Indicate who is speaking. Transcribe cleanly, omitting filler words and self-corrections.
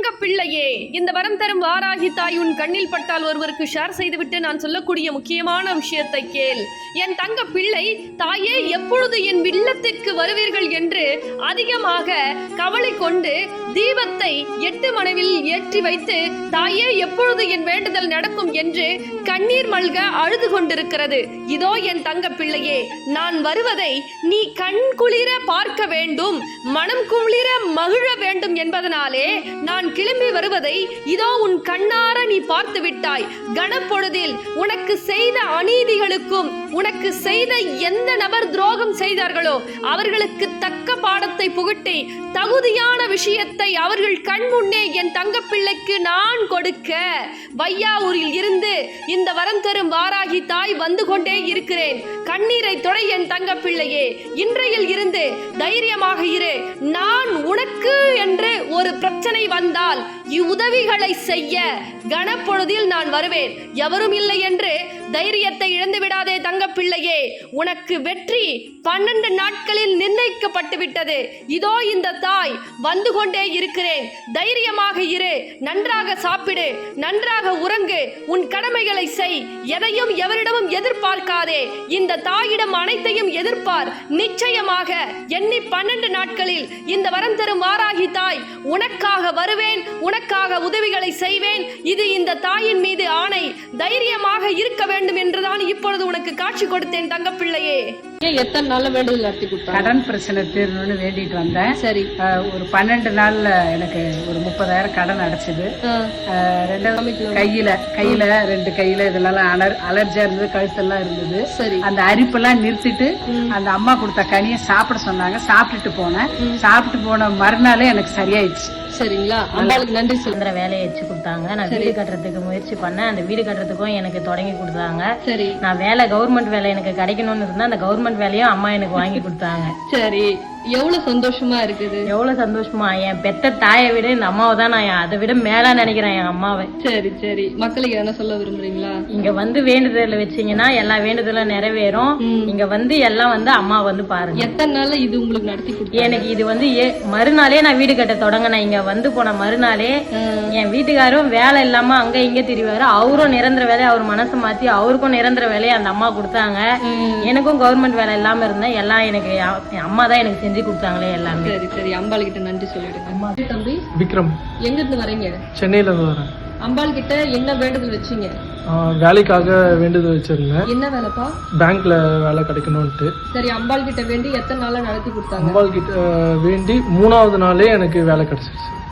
Speaker 1: தங்க பிள்ளையே, இந்த வரம் தரும் வாராகி தாய் உன் கண்ணில் பட்டால் ஒருவருக்கு ஷேர் செய்துவிட்டு நான் சொல்லக்கூடிய முக்கியமான விஷயத்தை கேள். என் தங்க பிள்ளை, தாயே எப்பொழுது என் இல்லத்திற்கு வருவீர்கள் என்று அதிகமாக கவலை கொண்டு தீபத்தை 8 மனைவில் ஏற்றி வைத்து தாயே எப்பொழுது என் வேண்டுதல் நடக்கும் என்று கண்ணீர் மல்க அழுது கொண்டிருக்கிறது. இதோ என் தங்க பிள்ளையே, நான் வருவதை நீ கண் குளிர பார்க்க வேண்டும், மனம் குளிர மகிழ வேண்டும் என்பதனாலே நான் கிளம்பி வருவதை இதோ உன் கண்ணார நீ பார்த்து விட்டாய். கணப்பொழுதில் உனக்கு செய்த அநீதிகளுக்கும் உனக்கு செய்த எந்த நபர் துரோகம் செய்தார்களோ அவர்களுக்கு தக்க பாடத்தை புகட்டி தகுதியான விஷயத்தை அவர்கள் கண் முன்னே என் தங்க பிள்ளைக்கு நான் கொடுக்க வையாவூரில் இருந்து இந்த வரம் தரும் வாராகி தாய் வந்து கொண்டே இருக்கிறேன். கண்ணீரை தொடை என் தங்க பிள்ளையே, இன்றையில் இருந்து தைரியமாக இரு. நான் உனக்கு என்று ஒரு பிரச்சனை வந்தால் இவ்வுதவிகளை செய்ய கணப்பொழுதில் நான் வருவேன். எவரும் இல்லை என்று தைரியத்தை இழந்து விடாதே தங்க பிள்ளையே. உனக்கு வெற்றி 12 நாட்களில் நிர்ணயிக்கப்பட்டு விட்டது. இதோ இந்த தாய் வந்து கொண்டே இருக்கிறேன். தைரியமாக இரு, நன்றாக சாப்பிடு, நன்றாக உறங்கு, உன் கடமைகளை செய். எதையும் எவரிடமும் எதிர்பார்க்காதே. இந்த தாயிடம் அனைத்தையும் எதிர்பார். நிச்சயமாக எண்ணி 12 நாட்களில் இந்த வரம் தரும் வாராகி தாய் உனக்காக வருவேன், உனக்காக உதவிகளை செய்வேன். இது இந்த தாயின் மீது ஆணை. தைரியமாக இருக்க வேண்டும் என்றுதான் இப்பொழுது உனக்கு காட்சி கொடுத்தேன் தங்க பிள்ளையே.
Speaker 2: எத்தனை நாள்ல வேண்டுதல் நடத்தி கொடுத்தாங்க?
Speaker 3: கடன் பிரச்சனை தீரணும்னு வேண்டிட்டு வந்தேன்.
Speaker 2: சரி.
Speaker 3: ஒரு 12 நாள்ல எனக்கு ஒரு 30,000 கடன் அடைச்சது. கையில 2 கையில இதெல்லாம் அலர்ஜியா இருந்தது, கழுத்தெல்லாம் இருந்தது.
Speaker 2: சரி.
Speaker 3: அந்த அரிப்பெல்லாம் நிறுத்திட்டு அந்த அம்மா கொடுத்த கனியை சாப்பிட சொன்னாங்க. சாப்பிட்டுட்டு போனேன். சாப்பிட்டு போன மறுநாளே எனக்கு சரியாயிடுச்சு.
Speaker 2: சரிங்களா? அம்பாளுக்கு நன்றி சொல்ற.
Speaker 4: வேலையை வச்சு கொடுத்தாங்க. நான் வீடு கட்டுறதுக்கு முயற்சி பண்ணேன். அந்த வீடு கட்டுறதுக்கும் எனக்கு தொடங்கி கொடுத்தாங்க.
Speaker 2: சரி.
Speaker 4: நான் வேலை கவர்மெண்ட் வேலை எனக்கு கிடைக்கணும்னு இருந்தா அந்த கவர்மெண்ட் வேலையும் அம்மா எனக்கு வாங்கி கொடுத்தாங்க.
Speaker 2: சரி. எவ்வளவு சந்தோஷமா இருக்குது.
Speaker 4: எவ்வளவு சந்தோஷமா. என் பெத்த தாயை விட இந்த அம்மாவை தான் நான் அதை விட மேலா நினைக்கிறேன் என் அம்மாவை.
Speaker 2: சரி சரி. மக்களுக்கு என்ன சொல்ல விரும்புறீங்களா?
Speaker 4: இங்க வந்து வேண்டுதல் வச்சீங்கன்னா எல்லா வேண்டுதலும் நிறைவேறும். இங்க வந்து எல்லாம் வந்து அம்மா வந்து பாருங்க.
Speaker 2: எத்தனை நாள்ல இது உங்களுக்கு நடத்தி கொடுத்து?
Speaker 4: எனக்கு இது வந்து மறுநாளே நான் வீடு கட்ட தொடங்கினேன். இங்க வந்து போன மறுநாளே என் வீட்டுக்காரும் வேலை இல்லாம அங்க இங்க திரிவாரு. அவரும் நிரந்தர வேலையை அவர் மனசை மாத்தி அவருக்கும் நிரந்தர வேலையை அந்த அம்மா கொடுத்தாங்க. எனக்கும் கவர்மெண்ட் வேலை இல்லாம இருந்தேன். எல்லாம் எனக்கு அம்மா தான் எனக்கு செஞ்சு கொடுத்தாங்களே எல்லாமே.
Speaker 2: சரி சரி. அம்பாள் கிட்ட நன்றி சொல்லிடுங்க. அம்மா. தம்பி
Speaker 5: விக்ரம்.
Speaker 2: எங்க இருந்து வரீங்க?
Speaker 5: சென்னையில இருந்து வரேன்.
Speaker 2: அம்பாள் கிட்ட என்ன வேண்டுதல் வச்சீங்க?
Speaker 5: வேலைக்காக வேண்டுதல் வச்சிருந்தேன்.
Speaker 2: என்ன வேலைப்பா?
Speaker 5: பேங்க்ல வேலை கிடைக்கணும்ட்டு.
Speaker 2: சரி. அம்பாள் கிட்ட வேண்டி எத்தனை நாளா நடத்தி கொடுத்தாங்க?
Speaker 5: அம்பாள் கிட்ட வேண்டி 3வது நாளே எனக்கு வேலை கிடைச்சிருச்சு.